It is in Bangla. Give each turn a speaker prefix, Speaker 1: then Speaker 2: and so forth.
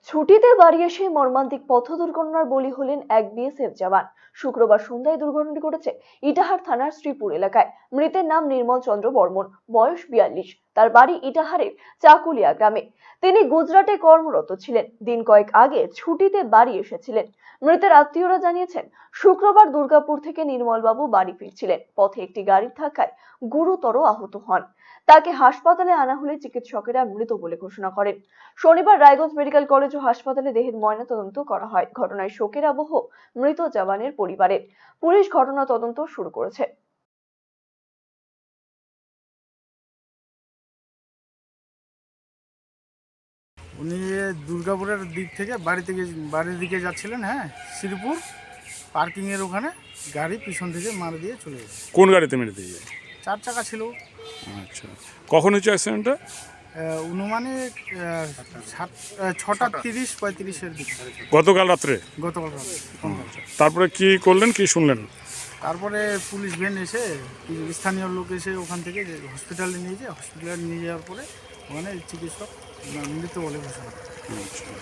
Speaker 1: ছুটিতে বাড়ি এসে মর্মান্তিক পথ দুর্ঘটনার বলি হলেন এক বিএসএফ জওয়ান। শুক্রবার সন্ধ্যায় দুর্ঘটনাটি ঘটেছে ইটাহার থানার শ্রীপুর এলাকায়। মৃতের নাম নির্মল চন্দ্র বর্মন, বয়স 42। তার বাড়ি ইটাহারের চাকুলিয়া গ্রামে। তিনি গুজরাটে কর্মরত ছিলেন। দিন কয়েক আগে ছুটিতে বাড়ি এসেছিলেন। মৃতের আত্মীয়রা জানিয়েছেন, শুক্রবার দুর্গাপুর থেকে নির্মলবাবু বাড়ি ফিরছিলেন। পথে একটি গাড়ির ধাক্কায় গুরুতর আহত হন। তাকে হাসপাতালে আনা হলে চিকিৎসকেরা মৃত বলে ঘোষণা করেন। শনিবার রায়গঞ্জ মেডিকেল কলেজ ও হাসপাতালে দেহের ময়নাতদন্ত করা হয়। ঘটনায় শোকের আবহ মৃত জওয়ানের পরিবারের। পুলিশ ঘটনা তদন্ত শুরু করেছে।
Speaker 2: উনি দুর্গাপুরের দিক থেকে বাড়ির দিকে যাচ্ছিলেন। হ্যাঁ, শ্রীপুর পার্কিংয়ের ওখানে গাড়ি পিছন থেকে মারা দিয়ে চলে গেছে।
Speaker 3: কোন গাড়িতে মেরে দিয়ে?
Speaker 2: 4 চাকা ছিল।
Speaker 3: আচ্ছা, কখন হচ্ছে অ্যাক্সিডেন্টটা?
Speaker 2: অনুমানিক 6টা 30-35-এর দিকে,
Speaker 3: গতকাল রাত্রে।
Speaker 2: গতকাল রাতে।
Speaker 3: তারপরে কি করলেন, কি শুনলেন?
Speaker 2: তারপরে পুলিশ ভ্যান এসে, স্থানীয় লোক এসে ওখান থেকে হসপিটালে নিয়ে যাওয়ার পরে ওখানে চিকিৎসক মৃত বলে ঘোষণা করে।
Speaker 3: আচ্ছা।